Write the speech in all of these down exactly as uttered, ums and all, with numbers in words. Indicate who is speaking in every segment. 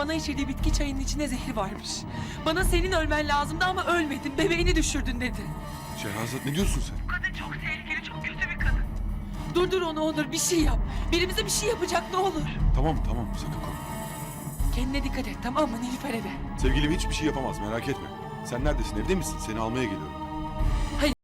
Speaker 1: bana içirdiği bitki çayının içinde zehir varmış. Bana senin ölmen lazımdı ama ölmedin. Bebeğini düşürdün dedi.
Speaker 2: Şehrazat ne diyorsun sen?
Speaker 1: Kadın çok tehlikeli, çok kötü bir kadın. Durdur onu Onur, bir şey yap. Birimize bir şey yapacak ne olur.
Speaker 2: Tamam tamam sakın korkma.
Speaker 1: Kendine dikkat et, tamam mı? Nilüfer'e de.
Speaker 2: Sevgilim hiçbir şey yapamaz merak etme. Sen neredesin, evde misin? Seni almaya geliyorum.
Speaker 1: Hayır.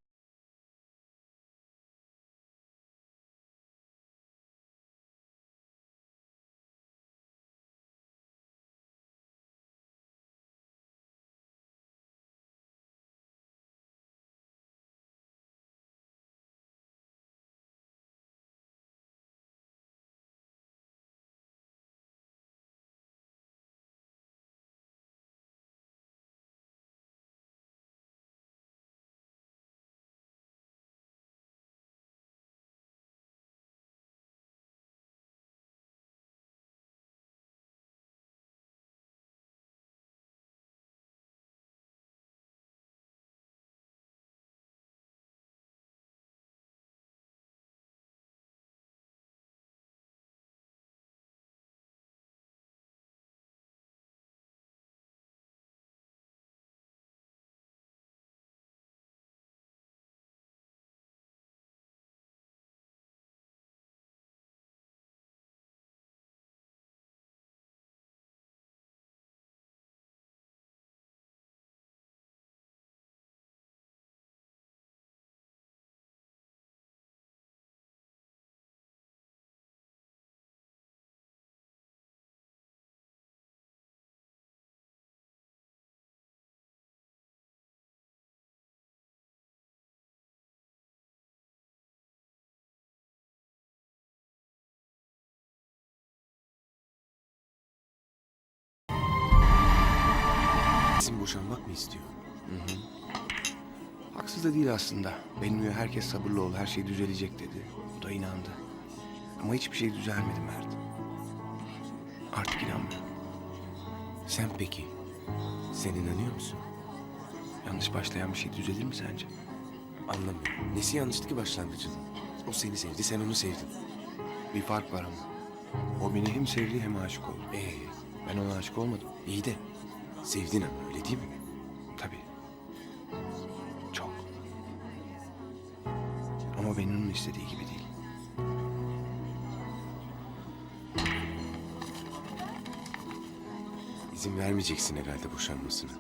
Speaker 3: Bizim boşanmak mı istiyor? Hı hı. Haksız da değil aslında. Benimle herkes sabırlı ol, her şey düzelecek dedi. O da inandı. Ama hiçbir şey düzelmedi Mert. Artık inanmıyor.
Speaker 4: Sen peki, sen inanıyor musun?
Speaker 3: Yanlış başlayan bir şey düzelir mi sence?
Speaker 4: Anlamıyorum. Nesi yanlıştı ki başlangıcın? O seni sevdi, sen onu sevdin.
Speaker 3: Bir fark var ama. O beni hem sevdi hem aşık oldu.
Speaker 4: Ee,
Speaker 3: Ben ona aşık olmadım.
Speaker 4: iyi de sevdin ama öyle değil mi?
Speaker 3: Tabii. Çok. Ama benim onun istediği gibi değil.
Speaker 4: İzin vermeyeceksin herhalde boşanmasına.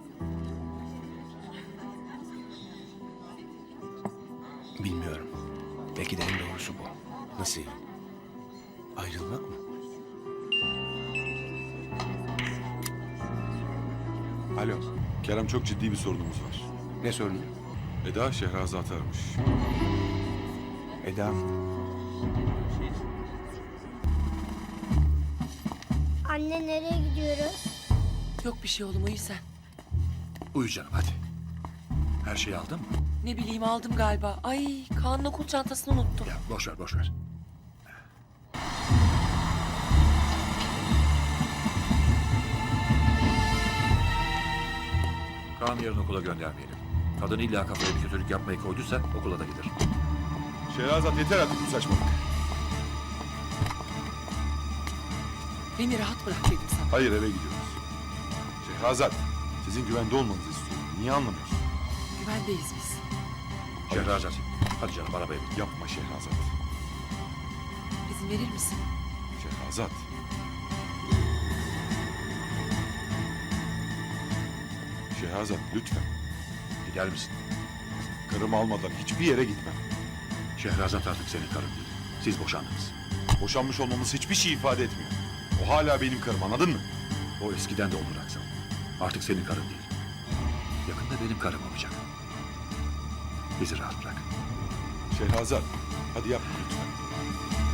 Speaker 3: Bilmiyorum. Belki de en doğrusu bu.
Speaker 4: Nasıl yani? Ayrılmak mı?
Speaker 2: Alo. Kerem çok ciddi bir sorunumuz var.
Speaker 3: Ne sorunu?
Speaker 2: Eda Şehrazat'ı aramış.
Speaker 3: Eda.
Speaker 5: Anne nereye gidiyoruz?
Speaker 1: Yok bir şey oğlum, uyu sen.
Speaker 6: Uyu canım hadi. Her şeyi aldın mı?
Speaker 1: Ne bileyim, aldım galiba. Ay, Kaan'ın okul çantasını unuttum.
Speaker 6: Ya boş ver boş ver. Kaan yarın okula göndermeyelim. Kadın illa kafaya bir kötülük yapmayı koyduysa okula da gider.
Speaker 2: Şehrazat yeter artık bu saçmalık.
Speaker 1: Beni rahat bırak dedim sana.
Speaker 2: Hayır eve gidiyoruz. Şehrazat sizin güvende olmanızı istiyorum. Niye anlamıyorsun?
Speaker 1: Güvendeyiz biz.
Speaker 6: Şehrazat. Hadi canım arabaya bin.
Speaker 2: Yapma Şehrazat.
Speaker 1: İzin verir misin?
Speaker 2: Şehrazat. Şehrazat lütfen.
Speaker 6: Gider misin?
Speaker 2: Karımı almadan hiçbir yere gitmem.
Speaker 6: Şehrazat artık senin karın değil. Siz boşandınız.
Speaker 2: Boşanmış olmamız hiçbir şey ifade etmiyor. O hala benim karım, anladın mı?
Speaker 6: O eskiden de olur Aksal. Artık senin karın değil. Yakında benim karım olacak. Bizi rahat bırak.
Speaker 2: Şehrazat hadi yapma lütfen.